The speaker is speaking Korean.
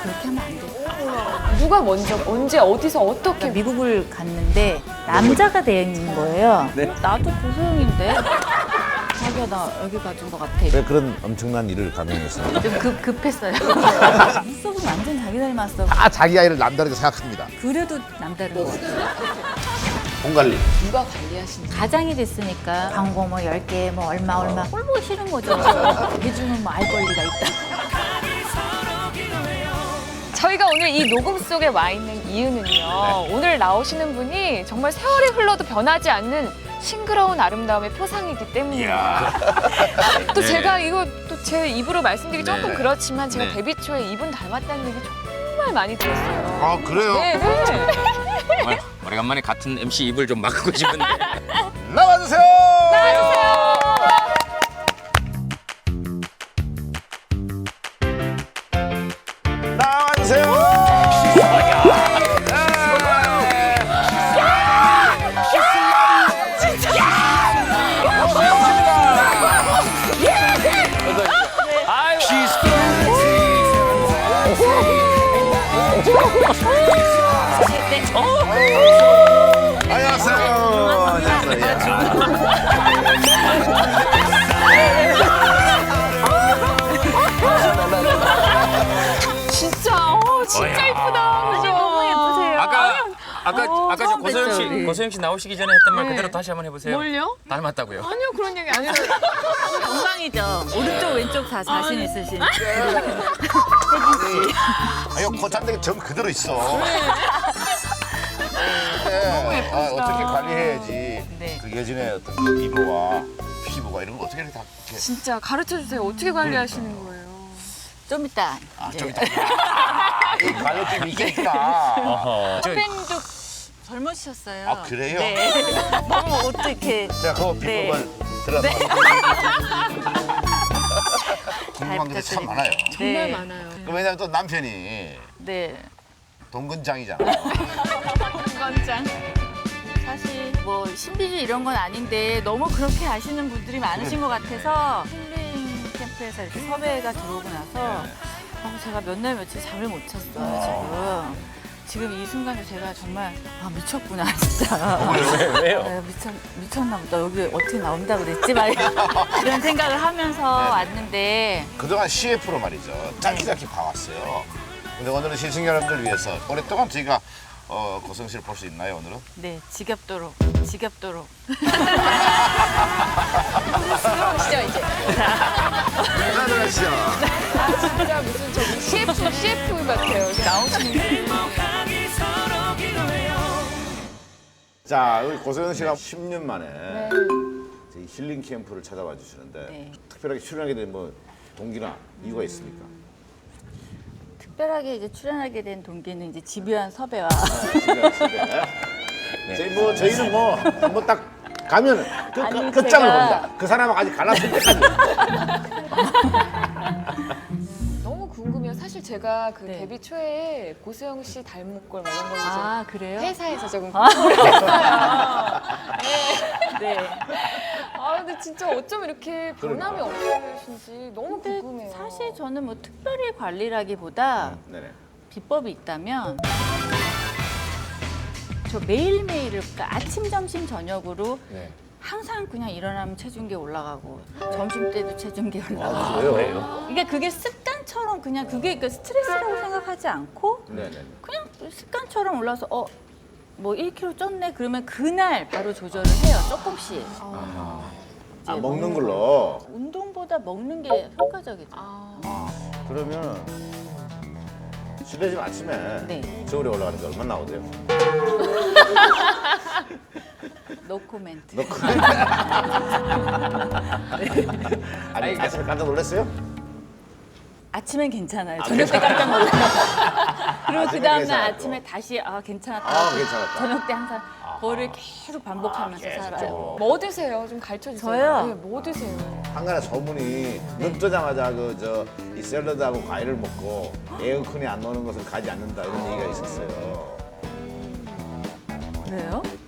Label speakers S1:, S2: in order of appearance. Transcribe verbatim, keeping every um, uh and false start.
S1: 그렇게 하면 안 돼.
S2: 누가 먼저 언제 어디서 어떻게
S1: 미국을 갔는데 남자가 되어 있는 거예요.
S3: 네.
S1: 어, 나도 고소영인데. 자기야 나 여기 가준 것 같아.
S4: 왜 그런 엄청난 일을 감행했어요?
S1: 좀 급, 급했어요. 눈썹은 완전 자기 닮았어.
S4: 다 자기 아이를 남다르게 생각합니다.
S1: 그래도 남다른 거 같아.
S4: 돈 관리.
S2: 누가 관리하시는
S1: 가장이 됐으니까 광고 뭐 열 개 뭐 얼마 얼마 꼴 보기 싫은 거죠. 해주면 뭐 알 권리가 있다.
S2: 저희가 오늘 이 녹음 속에 와 있는 이유는요. 오늘 나오시는 분이 정말 세월이 흘러도 변하지 않는 싱그러운 아름다움의 표상이기 때문입니다. 또
S3: 네.
S2: 제가 이거 또 제 입으로 말씀드리기
S3: 네.
S2: 조금 그렇지만 제가
S3: 네.
S2: 데뷔 초에 이분 닮았다는 얘기 정말 많이 들었어요.
S4: 아 그래요?
S2: 네, 네.
S3: 정말 오래간만에 같은 엠씨 입을 좀 막고 싶은데.
S4: 나와주세요.
S2: 나와주세요.
S4: 나와주세요. 안녕하세요. 안녕하세요.
S2: 진짜, 어, 진짜 이쁘다. 그죠?
S1: 너무 예쁘세요.
S3: 아까 아까
S1: 어,
S3: 아까 저
S1: 처음
S3: 고소영 씨
S1: 뵀죠, 우리.
S3: 고소영 씨 나오시기 전에 했던 말
S2: 네.
S3: 그대로 다시 한번 해보세요.
S2: 뭘요?
S3: 닮았다고요.
S2: 아니요, 그런 얘기 아니에요.
S1: 영광이죠. 오른쪽 왼쪽 다 자신 있으신.
S4: 아유 코찬데기 점 그대로 있어. 너무 예쁘다. 아, 어떻게 관리해야지.
S1: 네.
S4: 그 예전에 어떤 그 미모와 피부가 이런 거 어떻게 다 이렇게.
S2: 진짜 가르쳐 주세요. 어떻게 관리하시는 거예요?
S1: 좀 이따.
S4: 아,
S1: 이제.
S4: 좀 이따. 이 관리팀이 있겠구나.
S3: 어허. 저,
S1: 선배님도 젊으셨어요.
S4: 아, 그래요?
S1: 네. 너무 옷도 이렇게
S4: 제가 그거
S1: 네.
S4: 비법을 들어서 궁금한 게 참
S1: 부탁드립니다.
S4: 많아요.
S2: 정말
S1: 네.
S2: 많아요.
S4: 그 왜냐면 또 남편이
S1: 네.
S4: 동근장이잖아.
S2: 건장.
S1: 사실 뭐 신비주의 이런 건 아닌데 너무 그렇게 아시는 분들이 많으신 것 같아서 힐링 캠프에서 이렇게 섭외가 들어오고 나서 아, 제가 몇 날 며칠 잠을 못 찼어요 지금. 지금 이 순간에 제가 정말 아 미쳤구나 진짜.
S3: 왜, 왜요?
S1: 아, 미쳤, 미쳤나 보다. 여기 어떻게 나온다 그랬지? 막 이런 생각을 하면서 왔는데
S4: 그동안 씨에프로 말이죠. 짧게짧게 봐왔어요. 근데 오늘은 시청 여러분들 위해서 오랫동안 저희가 어, 고성 씨를 볼 수 있나요, 오늘은?
S1: 네 지겹도록 지겹도록
S2: 시죠 이제.
S4: 들어가시죠.
S2: 진짜 무슨 저기 씨에프, 씨에프 같아요. 이렇게 나오시는 게.
S4: 자, 우리 고소영 씨가 십 년 만에
S2: 네.
S4: 저희 힐링 캠프를 찾아와 주시는데
S1: 네.
S4: 특별하게 출연하게 된 뭐 동기나 이유가 있습니까?
S1: 특별하게 이제 출연하게 된 동기는 이제 집요한 섭외와
S4: 집에, 집에. 저희 뭐 저희는 뭐 한번 딱 가면 그,
S1: 아니,
S4: 그 끝장을
S1: 제가-
S4: 봅니다. 그 사람하고 아직 갈랐을 때까지.
S2: 너무 궁금해요. 사실 제가 그
S1: 네.
S2: 데뷔 초에 고수영 씨 닮은 꼴 뭐 이런 걸 이제
S1: 아 그래요?
S2: 회사에서 조금 했어요.
S1: 네.
S2: 아 근데 진짜 어쩜 이렇게 변함이 없으신지 너무
S1: 근데
S2: 궁금해요.
S1: 사실 저는 뭐 특별히 관리라기보다
S4: 네네.
S1: 비법이 있다면 저 매일매일을 그러니까 아침, 점심, 저녁으로
S4: 네.
S1: 항상 그냥 일어나면 체중계 올라가고 점심 때도 체중계 올라가고
S4: 아, 그래요?
S1: 그러니까 그게 습관처럼 그냥 그게 그러니까 스트레스라고 생각하지 않고
S4: 네네.
S1: 그냥 습관처럼 올라서 어 뭐 일 킬로그램 쪘네 그러면 그날 바로 조절을 해요 조금씩
S4: 아,
S1: 이제
S4: 먹는 걸로.
S1: 운동보다 먹는 게 효과적이죠.
S2: 아,
S4: 그러면 실례지만 아침에
S1: 네.
S4: 저울에 올라가는데 얼마나 나오세요?
S1: 노 코멘트.
S4: 너 그래? 아니 아침에 깜짝 놀랐어요?
S1: 아침엔 괜찮아요. 저녁 때 깜짝 놀라요. 그리고
S4: 아침엔
S1: 그 다음날
S4: 괜찮았고.
S1: 아침에 다시 아 괜찮았다.
S4: 아, 괜찮았다.
S1: 저녁 때 항상 그거를 계속 반복하면서
S4: 아,
S1: 살아요.
S4: 계속적으로.
S2: 뭐 드세요? 좀 가르쳐 주세요.
S1: 저요?
S2: 네, 뭐 드세요?
S4: 한간에 소문이 눈 뜨자마자 그 저 이 샐러드하고 과일을 먹고 에어컨이 안 나오는 것을 가지 않는다 이런 얘기가 있었어요.
S1: 그래요?